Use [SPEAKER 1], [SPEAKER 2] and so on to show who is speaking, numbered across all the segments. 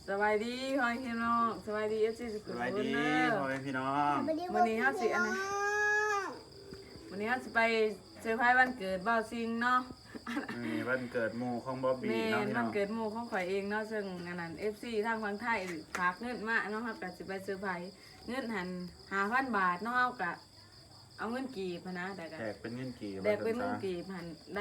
[SPEAKER 1] สบายดีพ่อพี่น้องสบายดีFCสุขุมวิทพ่อ
[SPEAKER 2] พี่น้อง
[SPEAKER 1] วันนี้เฮาสิวันนี้เฮาสิไปเซอร์ไพรส์วันเกิดบ่าวซิงเนาะ
[SPEAKER 2] วันเกิดหมู่ของบ๊อบบี้เนาะพี่น้อง
[SPEAKER 1] วันเกิดหมู่ของข่อยเองเนาะซึ่งอันนั้น FC ทางฝั่งไทยฝากเงินมาเนาะครับก็สิไปเซอร์ไพรส์เงินหัน 5,000 บาทเนาะเฮาก็เอาเงินกีบนะแต่ก็
[SPEAKER 2] แจกเป็นเงินกีบ
[SPEAKER 1] แจกเป็นเงินกีบหันได้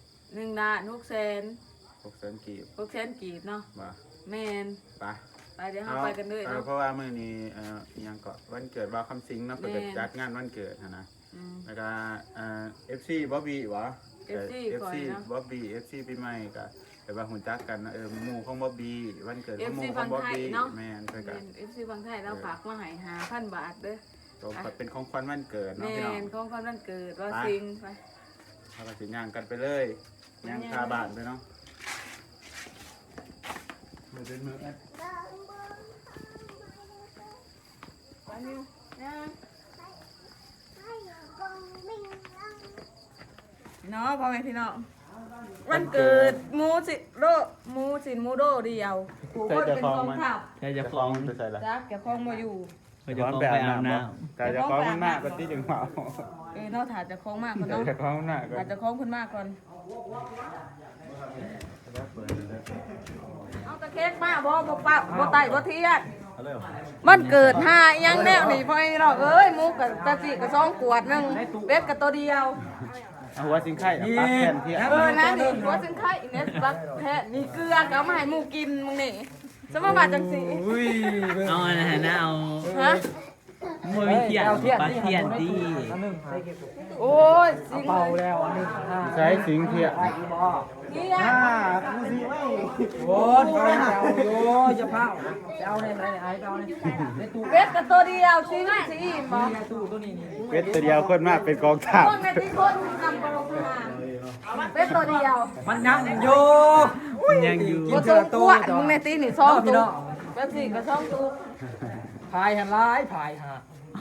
[SPEAKER 1] 1,600,000
[SPEAKER 2] กีบ
[SPEAKER 1] 600,000 กีบเนาะแม่นไปเดี๋ยวเฮาไปกันเลยเนาะ
[SPEAKER 2] เพราะว่ามื้อนี้ยังก็วันเกิดบ่าวคำสิงเนาะเพิ่นจัดงานวันเกิดนะแล้วก็FC บ๊อบบี้วะ FC บ๊อบบี้ FC ปีใหม่ก็แต่ว่าหุ่นจักกันหมู่ของบ๊อบบี้วันเกิดของหมู่ของบ๊อบบี้แม่นเพิ่นก็
[SPEAKER 1] FC ฝั่งไทยเราฝากมาให้ 5,000 บาทเด้อ
[SPEAKER 2] เป็นของขวัญวันเกิดเนาะพี่น้อง
[SPEAKER 1] ของขวัญวันเกิดว่าซิงไป
[SPEAKER 2] เราก็สิย่างกันไปเลยย่างคาบ้านไปเนาะมือเป็นมือเ
[SPEAKER 1] นาะพ่อแม่พี่น้องวันเกิดมูสิโดเดียวผู้คนเป็นกองทัพ
[SPEAKER 2] ใช่จะคล้องไปใส่ละ
[SPEAKER 1] จักแกคล้องมาอยู่
[SPEAKER 2] จะคล้องไปอาบน้ำแต่จะคล้องมันมากกว่าที่จึงเมา
[SPEAKER 1] เนาะถ่ายจะคล้องมากคนเนาะ
[SPEAKER 2] จะคล้องหน้าก่อน
[SPEAKER 1] ถ่ายจะคล้องคนมากก่อนเอาตะเค้กมาบ่ปะบ่ไต่บ่เทียดมันเกิดหายังแนวนี่พ่อไอ้เรามุกกับตะจิกับ2 ขวดนึงเป็ดกับตัวเดียว
[SPEAKER 2] หัวสิงไข่ปักแผ่นที่
[SPEAKER 1] นะนี่หัวสิงไข่เนี่ยปักแผ่นนี่เกลือก็มาให้หมูกินมึงนี่สมบัติจังสี
[SPEAKER 3] เอาอันนั้นนะเอา
[SPEAKER 1] ฮะ
[SPEAKER 3] มวยเทียนปลาเทียนดี
[SPEAKER 1] โอ้ยสิง
[SPEAKER 4] เป่าแล้วอันนึง
[SPEAKER 2] ใช้สิงเทีย
[SPEAKER 1] นี่อ่ะ
[SPEAKER 4] โอ้ยโอ้ยจะเผาจะเอาในไหนไอ้เอาในตู้
[SPEAKER 1] เป็ดกับตัวเดียวสิงสิบ่
[SPEAKER 4] ตู้ตัวนี้
[SPEAKER 2] เป็ดตัวเดียวคนมากเป็นกองทัพ
[SPEAKER 1] คนในที่คนนำไปลงมาเป็ดตัวเดียว
[SPEAKER 4] มันยังอยู่
[SPEAKER 1] กินเถื่อตู้มึงในตีนี่2 ตู้เป็ดสิกับ2 ตู้
[SPEAKER 4] พายหันร้ายพายฮะ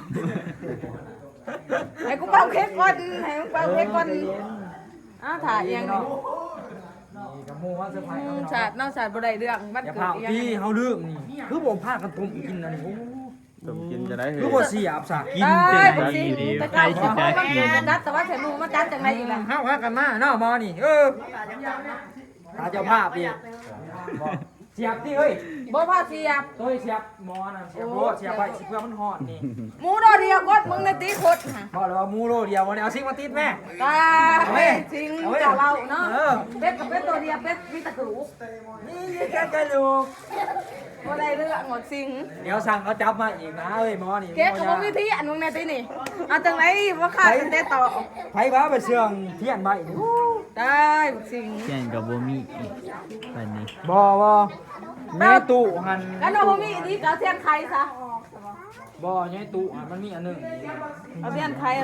[SPEAKER 1] ให้กูเป่าเค้กก่อนให้มึงเป่าเค้กก่อนถ่ายยังนี่
[SPEAKER 4] กับหมูว่าเซอร์ไพรส์
[SPEAKER 1] ศาสตร์ศาสตร์บ่ได้เรื่องมัน
[SPEAKER 4] เกิดพี่เฮาเรื่องนี่คือบ่พากันตุ่มกินอันนี้
[SPEAKER 2] ตุ่มกินจะได้
[SPEAKER 4] คือบ่เสียบซะ
[SPEAKER 3] กินจะได้ดีใครสิจะกิน
[SPEAKER 1] จัดแต่ว่าแค่มูมาจัดจังไดอีกล่ะ
[SPEAKER 4] เฮาพากันมาเนาะมอนี่ตาเจ้าภาพอีกเสียบที่เฮ้ย
[SPEAKER 1] บ่พาเสียบ
[SPEAKER 4] ตัวเสียบหมอน่ะเสียบโลเสียบไปเพื่อมันฮอดนี่
[SPEAKER 1] หมูโดเดียวกดมึงในตีขดฮะ
[SPEAKER 4] บอกเลยว่าหมูโลเดียววันนี้เอาซิงมาติดแม่
[SPEAKER 1] ตาซิงจะเล่าเนาะเป็ดกับเป็ดตัวเดียวเป็ดมีตะกรุ
[SPEAKER 4] นี่แค่ลูก
[SPEAKER 1] บ่ได้เรื่องหมดซิง
[SPEAKER 4] เดี๋ยวสั่งเขาจับมาอีกนะเอ้ยหมอนี่
[SPEAKER 1] เก๊กกับวิธีอันมึงในตีนี่เอาจังไหนว่าขาดเตะต่อ
[SPEAKER 4] ไผบ้าไปเชื่องเทียนใบ
[SPEAKER 1] ได้ซิง
[SPEAKER 3] เทียนกับบ่มีวันนี้
[SPEAKER 4] บ่แม่ตู้หัน
[SPEAKER 1] แล้วเราบ่มีนี่ก็เทียนไข่ซะ
[SPEAKER 4] บ่แม่ตู้หันมันมีอันนึง
[SPEAKER 1] เอาเทียนไข่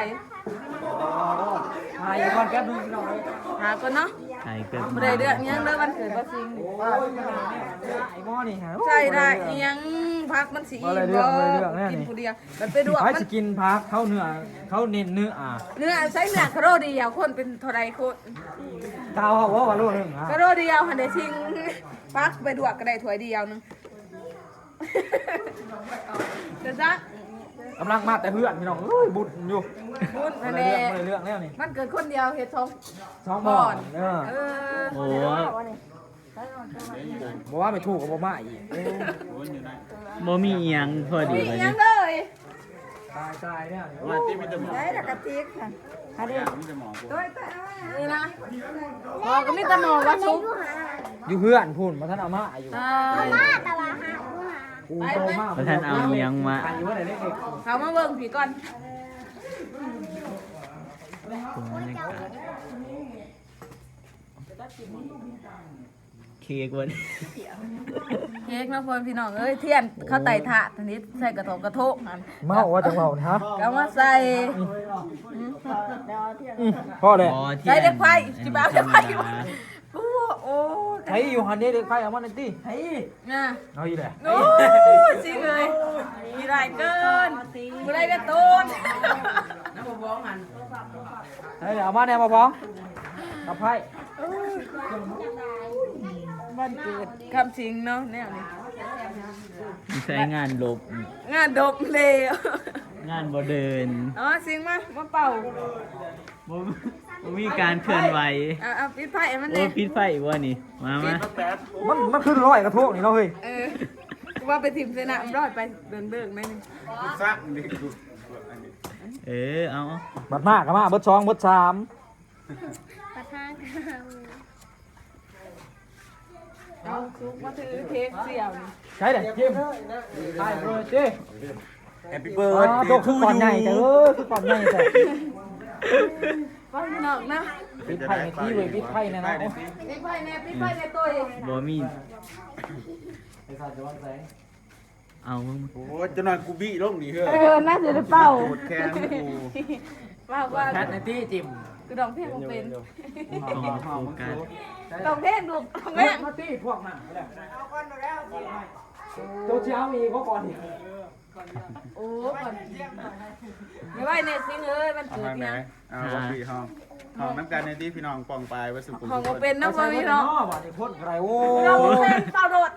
[SPEAKER 4] หาอยู่ก่อนแป๊บนึงพี่น้อง
[SPEAKER 1] หาก่อนเนาะ
[SPEAKER 3] ใช่เกิด
[SPEAKER 1] บ่ได้เรื่องยังเด้อวันเกิดบ่ซิง
[SPEAKER 4] ไอ้หม้อนี่ฮะ
[SPEAKER 1] ใช่ได้ยังพักมันสิบ่กินผู้เดียวมันไปดู
[SPEAKER 4] มันสิกินพักเขาเนื้อเขาเน้นเนื้อ
[SPEAKER 1] ใช้เนื้อคาโรเดียวคนเป็นเท่าใดคน
[SPEAKER 4] เท่าว่าโลนึง
[SPEAKER 1] คาโรเดียวหันได้ซิงพักไปดวกก็ได้ถ้วยเดียวนึงเดี๋ยวจ้ะ
[SPEAKER 4] กำลังมาแต่เพื่อนพี่น้องบุญอยู่
[SPEAKER 1] บุญอะไร
[SPEAKER 4] เรื่องแล้วนี่
[SPEAKER 1] มันเกิดคนเดียวเฮ็ด
[SPEAKER 4] 2 บ่อน
[SPEAKER 3] โอ้
[SPEAKER 4] บ่ว่าไม่ถูกกับบ่มาอีก
[SPEAKER 3] บ่มีอีหยังพอดี
[SPEAKER 1] เลยยังเลย
[SPEAKER 4] ตายเนี่ย
[SPEAKER 2] ว่าที่มีแต่หมอ
[SPEAKER 1] ได้ละกะติกค่ะหาดิ
[SPEAKER 2] มีแต่หมอ
[SPEAKER 1] นี่นะพอก็มีแต่หมอว่าซุป
[SPEAKER 4] อยู่เพื่อนพูนมาท่านเอามาอยู่
[SPEAKER 1] มาแต่ว่าหา
[SPEAKER 3] มาท่านเอาเลี้ยงมา
[SPEAKER 1] เขามาเบิ่งผีก่อน
[SPEAKER 3] เค้กวัน
[SPEAKER 1] เค้กนะพ่อพี่น้องเทียนเขาไต่ถาดนี้ใส่กระโทก
[SPEAKER 4] เมาว่าจะเมานะ
[SPEAKER 1] ก็มาใส่
[SPEAKER 4] พ่อเลย
[SPEAKER 1] ใส่เด็กไฟจิบ้าเด็กไฟโอ้
[SPEAKER 4] ไอ้อยู่หันนี้เด็กไฟเอามาหน่อยดิ
[SPEAKER 1] ไอ้น่ะ
[SPEAKER 4] เอาอีกแล้ว
[SPEAKER 1] โอ้จริงเลยมีไรเกินมีไรกันตูนน้ำบ้องหัน
[SPEAKER 4] เฮ้ยเอามาแนวมาบ้องกับไพ่
[SPEAKER 1] วันเกิดคำชิงเนาะแนวนี้
[SPEAKER 3] ใช้งานลบ
[SPEAKER 1] งานดบเลย
[SPEAKER 3] งานบ่เดิน
[SPEAKER 1] อ๋อสิงมาเป่า
[SPEAKER 3] บ่มีการเคลื่อนไหว
[SPEAKER 1] เอาปิดไพ่มัน
[SPEAKER 3] โอ้
[SPEAKER 1] เนี่ย
[SPEAKER 3] ปิดไฟอีกว่านี่มา
[SPEAKER 4] มันขึ้นร้อยกระทงนี่เนาะเฮ้ย
[SPEAKER 1] ว่าไปถิ่มเสนามรอดไปเบิ่งๆได้นึง
[SPEAKER 2] ซักนี่กู
[SPEAKER 3] เอา
[SPEAKER 4] บัดมากก็มาเบิด2เบิด3
[SPEAKER 1] เอาซุกมาถือเค้กเสี่ยวนี่
[SPEAKER 4] ใช่เด้จิ้มใช่เบิร์ดเด้
[SPEAKER 2] แฮปปี้เบิร์ด
[SPEAKER 4] โตคือก่อนใหญ่แต่คือก่อนใหญ่แต่
[SPEAKER 1] ว่าพี่น้องนะ
[SPEAKER 4] ปิดไพ่ในที่เว้ยปิดไพ่ในนะ
[SPEAKER 1] ปิดไพ่เนี่ยปิดไพ่เนี่ยตัวเอง
[SPEAKER 3] บ่มี
[SPEAKER 4] ไอ้สัตว์ย้อนแสง
[SPEAKER 3] เอามึง
[SPEAKER 2] โอ้จะนอนกูบี้ลงนี่เฮ้ย
[SPEAKER 1] น่าจะได้เป่า
[SPEAKER 2] ปวดแขนกู
[SPEAKER 1] ว่า
[SPEAKER 4] แคทในที่จิ้ม
[SPEAKER 1] คือดองเพลงเป็น
[SPEAKER 3] ต้องโฟกัส
[SPEAKER 1] ดองเพลงดูดองเพลง
[SPEAKER 4] มาตี้พวกนั้นโจเช้าอีกก็ก่อนอีก
[SPEAKER 1] โอ้ก่อนไม่ไหวเนี่ยสิงเอ้ยมัน
[SPEAKER 2] เอา
[SPEAKER 1] เกิด
[SPEAKER 2] ทางไหน
[SPEAKER 1] เนี่ย
[SPEAKER 2] เอาวับี้ห้องน้ำกันในที่พี่น้องปองปลายวัสุกุล
[SPEAKER 1] ของก็เป็นนะพ่อพี่น้อง
[SPEAKER 4] บ่ได้พ่นไรโอ้
[SPEAKER 1] ดองเพลงเป่าโดด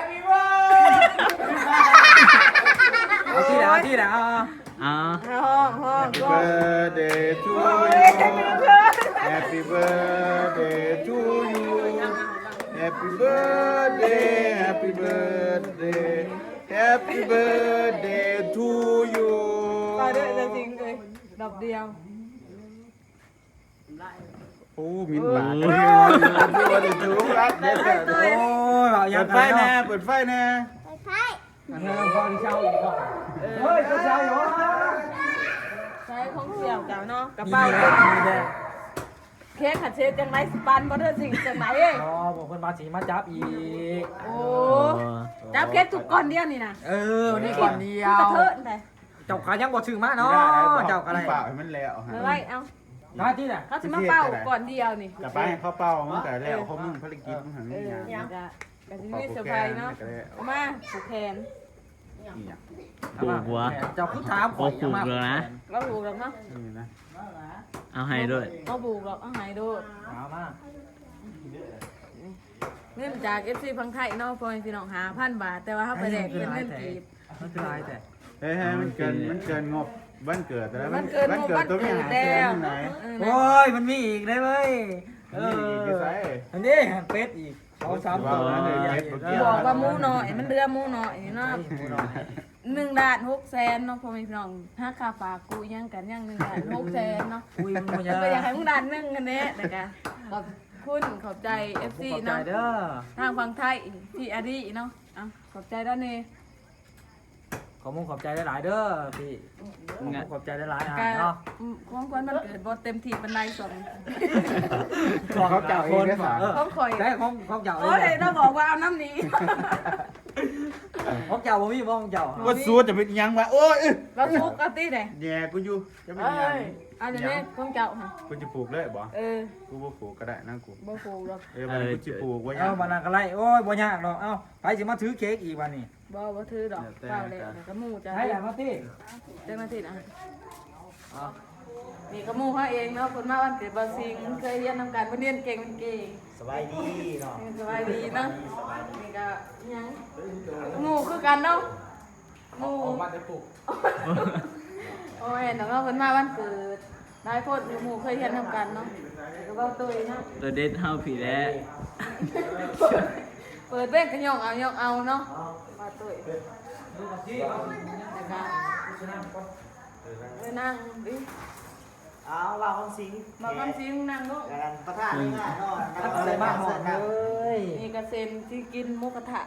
[SPEAKER 4] เอาที่ไหนเอาที่ไหนเอา
[SPEAKER 3] เอา
[SPEAKER 1] ห้อง
[SPEAKER 2] Happy
[SPEAKER 1] ก็
[SPEAKER 2] birthday to you Happy birthday to you Happy birthday Happy birthday Happy birthday to you
[SPEAKER 1] เป่าด้วยจริงเลยดอกเดียว
[SPEAKER 2] โอ้มินบาทดูดิจูรักเด็ดโอ้ย
[SPEAKER 4] เอาอย่า
[SPEAKER 2] เปิ
[SPEAKER 4] ง
[SPEAKER 2] ดไฟแน่เปิดไฟแน่
[SPEAKER 4] เฮ้ยพอที่เช้าอีกก็เฮ้ยเช้าอยู่
[SPEAKER 1] ใช้ของเสี่ยวจ้าเนาะกระ
[SPEAKER 4] มี
[SPEAKER 1] เป๋า
[SPEAKER 4] แดงมีแดง
[SPEAKER 1] เค้กขัดเชฟจังไรสปันบ่เด้อสิ่งจังไหนเอ้ย
[SPEAKER 4] อ๋อบอกคนมาสีมาจับอีก
[SPEAKER 1] โอ้จับเค้กทุกก้อนเดียวนี่นะ
[SPEAKER 4] วันนี้ก่อนเดีย
[SPEAKER 1] กระ
[SPEAKER 4] ว
[SPEAKER 1] เทิดแต่
[SPEAKER 4] เจ้าขายังบ่ถึงมาเนาะเจ้าอะไร
[SPEAKER 2] เปล่าให้มันแล้วฮะ
[SPEAKER 1] ไม่ไหวเอา
[SPEAKER 4] หน้าที่น่ะ
[SPEAKER 1] เขาจะมาเป่าก่อนเดียวนี่
[SPEAKER 2] กลับไปให้เขาเป่ามันแต่แล้วเขามึงภารกิจมึงหัน
[SPEAKER 1] เอ
[SPEAKER 2] นี่
[SPEAKER 1] อ
[SPEAKER 2] ยัง
[SPEAKER 1] จะจะมีเซอร์ไพรส์เนาะเอามาผูกแขน
[SPEAKER 3] ปลูกหัว
[SPEAKER 4] เจ้าคือถาม
[SPEAKER 3] โอ้ปลูกแล้วนะ
[SPEAKER 1] เราผูกหรอกเนาะ
[SPEAKER 2] นี่นะ
[SPEAKER 3] เอาให้ด้วย
[SPEAKER 1] เราผูกหรอกเอาหายโดด
[SPEAKER 4] เอามา
[SPEAKER 1] เงินจาก FC พังไทยเนาะพอพี่น้อง5,000 บาท แต่ว่าเขาไปแลกเป็นเงินกีบ
[SPEAKER 4] มันคืออะไรแต่
[SPEAKER 2] เฮ้ยมันเกินงบบ้านเกิดแต่แล้ว
[SPEAKER 1] มันเกิน
[SPEAKER 2] บ้านเกิดตัวไม่หา
[SPEAKER 1] แล้
[SPEAKER 2] เกิ
[SPEAKER 1] วน
[SPEAKER 2] ไหน
[SPEAKER 4] โอ้ยมันมีอีกได้เว้ย
[SPEAKER 2] นี่กี่ไซส์
[SPEAKER 4] อันนี้เป็ดอีก2-3ตัว
[SPEAKER 1] บอกว่าหมูน้อยมันเดือหมูน้อยเนาะ1ล้าน6แสนเนาะพ่อแม่พี่น้องถ้าค่าฝากกูยังกันยัง1ล้าน6แสนเนาะ
[SPEAKER 4] อุ้ยมันบ่ยา
[SPEAKER 1] ก็อยากให้มึงดันนึงกันเนี้ยนะคะขอบคุณขอบใจ FC
[SPEAKER 4] เนาะ
[SPEAKER 1] เนาะ
[SPEAKER 4] เด้อ
[SPEAKER 1] ทางฝั่งไทยพี่อาดีเนาะอ่ะขอบใจด้านนี้
[SPEAKER 4] ขอบใจหลายๆเด้อพี่ขอบใจหลายๆเนาะ
[SPEAKER 1] ของคนมันเกิดบ่เต็มที่เป็นไรส่วน
[SPEAKER 2] เขาเจ้าเองได้ป่ะ
[SPEAKER 1] ของข่อย
[SPEAKER 4] ได้ของเจ้า
[SPEAKER 1] โอ้ยเราบอกว่าเอาน้ำหนี้
[SPEAKER 4] ของเจ้าบ่มีบ่ของเจ้า
[SPEAKER 2] ว่าซูจะเป็นยังวะโอ้ย
[SPEAKER 1] เราทุกเอาตีเด้
[SPEAKER 2] แย่กูอยู่จะเป็น
[SPEAKER 1] เอ้
[SPEAKER 2] ยัง
[SPEAKER 1] ยเอาอย่างนี้ของเจ้าค่ะ
[SPEAKER 2] กูจะปลูกเลยบ่
[SPEAKER 1] เออ
[SPEAKER 2] กูบ่ปลูกก็ได้นะกู
[SPEAKER 1] บ่ปลูกหรอก
[SPEAKER 2] มันกูจะปลูกไว้ยั
[SPEAKER 4] เอ้าง บัดนั้นก็ไล่โอ้ยบ่ยากดอกเอ้าไปสิมาถือเค้กอีกวันนี้
[SPEAKER 1] บ่ถือดอกเปล่าเลยกระมูจะ
[SPEAKER 4] ให้แหละมาติ
[SPEAKER 1] เจ้าหน้าที่นะนี่กระมูเขาเองเนาะคนมาวันเกิดบาซิงเคยเรียนทำการเรียนเก่งเป็นเก่ง
[SPEAKER 4] สบายดีเนาะ
[SPEAKER 1] สบายดีเนาะนี่ก็ยังหมูคือกันเนาะหมู
[SPEAKER 4] มาได้ปลูก
[SPEAKER 1] โอ้ยแต่ว่าเพิ่นมาวันเกิดหลายคนหมูเคยเรียนทำกันเนาะก็เว้าตัวเนาะ
[SPEAKER 3] ตัวเด็ดเฮาผีแล้ว
[SPEAKER 1] เปิดเบ้งก็ยองเอาเนาะมาตัวแล้วก็ไปนั่งดิ
[SPEAKER 5] เอาว่าคำสิง
[SPEAKER 1] มาคำซิงนั่งลูก
[SPEAKER 5] กันประธานนี่ง่ายเนาะ
[SPEAKER 4] อะไรบ้างหอมเลย
[SPEAKER 1] นี่กระเซ็นที่กินหมุกกระทะ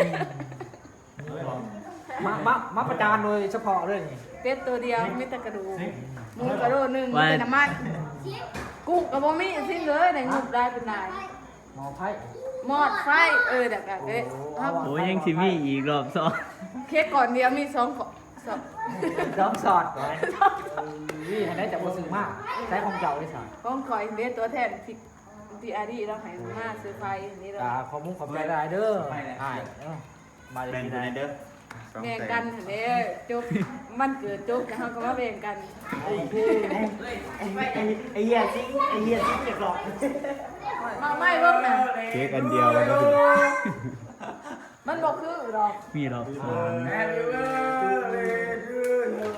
[SPEAKER 4] มาประจานโดยเฉพาะเรื่องนี้
[SPEAKER 1] เป็ดตัวเดียวมีแต่กระดูกหมูกระโดดหนึ่งมีแต่น้ำมันกุ้งกับบ่มีสิ้นเลยในงุบได้เป็นนาย
[SPEAKER 4] หมอไพ่
[SPEAKER 1] มอดไฟเด็กอะเอ๊ะ
[SPEAKER 3] โอ้ยยังสิมีอีกรอบสอง
[SPEAKER 1] เค้กก่อนเดียวมี2ขอสอง
[SPEAKER 4] น้องสอดไว้นี่ให้ได้จากบ่ซื้อมากใช้ของเจ้าได้สั่ง
[SPEAKER 1] ของคอยเบสตัวแทนพี่อาดีเราให้มาซื้อไฟนี่เรา
[SPEAKER 4] ขอมุ้งขอบใจหลายเด้อมา
[SPEAKER 2] แบ่ง
[SPEAKER 4] ที่
[SPEAKER 2] กัน
[SPEAKER 4] ไหน
[SPEAKER 2] เด้อ
[SPEAKER 1] แบ่งกันเด้จุกมันเกิดจุกแล้วเขาก็มาแบ่งกัน
[SPEAKER 5] ไอ้เหี้ยสิไอ้เหี้ยสิเจ็บหรอก
[SPEAKER 1] มาไม่เบิ่งน่ะ
[SPEAKER 2] เค้กอันเดียวกัน
[SPEAKER 1] มันบอกคือหร
[SPEAKER 4] ดอก
[SPEAKER 3] มีรอบสอง
[SPEAKER 2] Happy birthday to you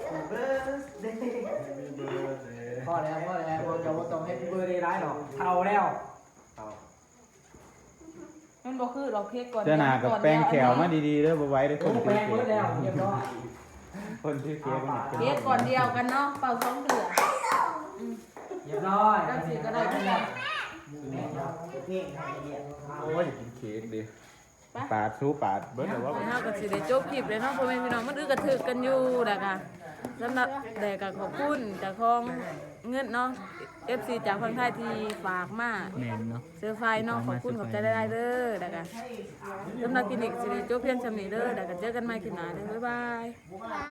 [SPEAKER 4] พอแล้วเราจะต้องให้เบอร์ได้ร้ายหรอกเท่าแล้ว
[SPEAKER 1] มันบ่คือดอกเค้กก่อน
[SPEAKER 2] เจ้าหน้ากับแป้งแขวมาดีๆเด้อบ่ไว้เด้อค
[SPEAKER 4] โอ้
[SPEAKER 2] น
[SPEAKER 4] แปล
[SPEAKER 2] ชื่อง เค้
[SPEAKER 4] เบิดแล้ว
[SPEAKER 2] ก
[SPEAKER 4] เรียบร้อย
[SPEAKER 2] คนชื่อเค้กมัน
[SPEAKER 1] เค้กก่อนเดียวกันเนาะเป่าสองเถื่อ
[SPEAKER 4] เรียบร้อย
[SPEAKER 1] จังสิก็ได้กันแล้ว
[SPEAKER 5] เพ่งให้เรียน
[SPEAKER 2] โอ้ยกินเค้กดิปาดสู้ปาดเบิดแล้วว่า
[SPEAKER 1] เฮาก็สิได้จบคลิปเลยเนาะพ่อแม่พี่น้องมันอึกกระทึกกันอยู่แล้วก็สำหรับแต่ก็ขอบคุณเจากของเงินเนาะ FC จากฝั่งไทยที่ฝากมา
[SPEAKER 3] แม่นเนาะ
[SPEAKER 1] เสื้อไฟเนาะขอบคุณขอบใจได้เด้อแล้วก็สำหรับคลินิกสิได้จบเพียงซำนี้เด้อแล้วก็เจอกันใหม่คลิปหน้าเด้อบ๊ายบาย